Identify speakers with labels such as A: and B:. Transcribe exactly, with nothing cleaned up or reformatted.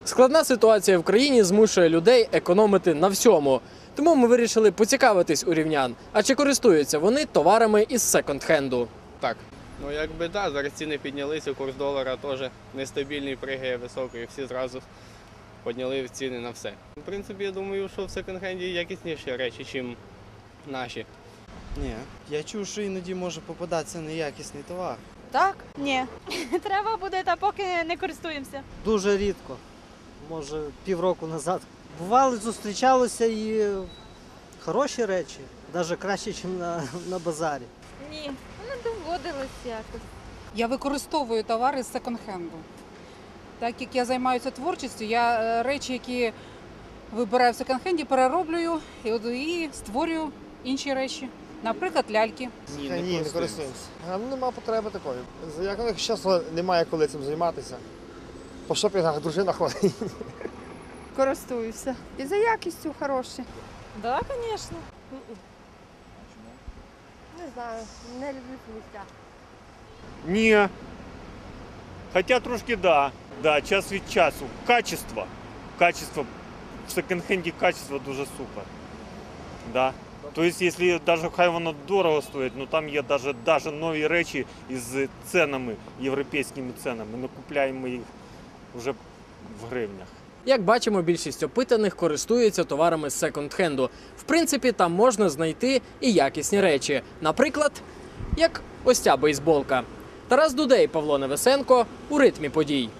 A: Складна ситуація в країні змушує людей економити на всьому. Тому ми вирішили поцікавитись у рівнян, а чи користуються вони товарами із секонд-хенду.
B: Так. Ну якби так, да, зараз ціни піднялися, курс долара теж нестабільний, пригає високий, всі зразу підняли ціни на все. В принципі, я думаю, що в секонд-хенді якісніші речі, ніж наші.
C: Ні, я чув, що іноді може попадатися неякісний товар.
D: Так? Ні. Треба буде, та поки не користуємося.
E: Дуже рідко, може півроку назад. Бували, зустрічалися і хороші речі, навіть краще, ніж на, на базарі.
D: Ні, не доводилось якось.
F: Я використовую товари з секонд-хенду. Так як я займаюся творчістю, я е, речі, які вибираю в секонд-хенді, перероблюю і, от, і створюю інші речі. Наприклад, ляльки.
B: Ні,
G: Ні, не, не користуємося. Ну, нема потреби такої. Як у них часу немає коли цим займатися. По шопінгах дружина ходить.
H: Користуюся. І за якістю хороші.
D: Так, звісно.
H: Не знаю, не люблю сміття.
I: Ні. Хоча трошки да. Да, час від часу. Качество. Качество. В секонд-хенді качество дуже супер. Да. Тобто, якщо навіть хай воно дорого стоїть, ну там є навіть, навіть нові речі із цінами, європейськими цінами. Ми купуємо їх вже в гривнях.
A: Як бачимо, більшість опитаних користуються товарами з секонд-хенду. В принципі, там можна знайти і якісні речі. Наприклад, як ось ця бейсболка. Тарас Дудей, Павло Невесенко у ритмі подій.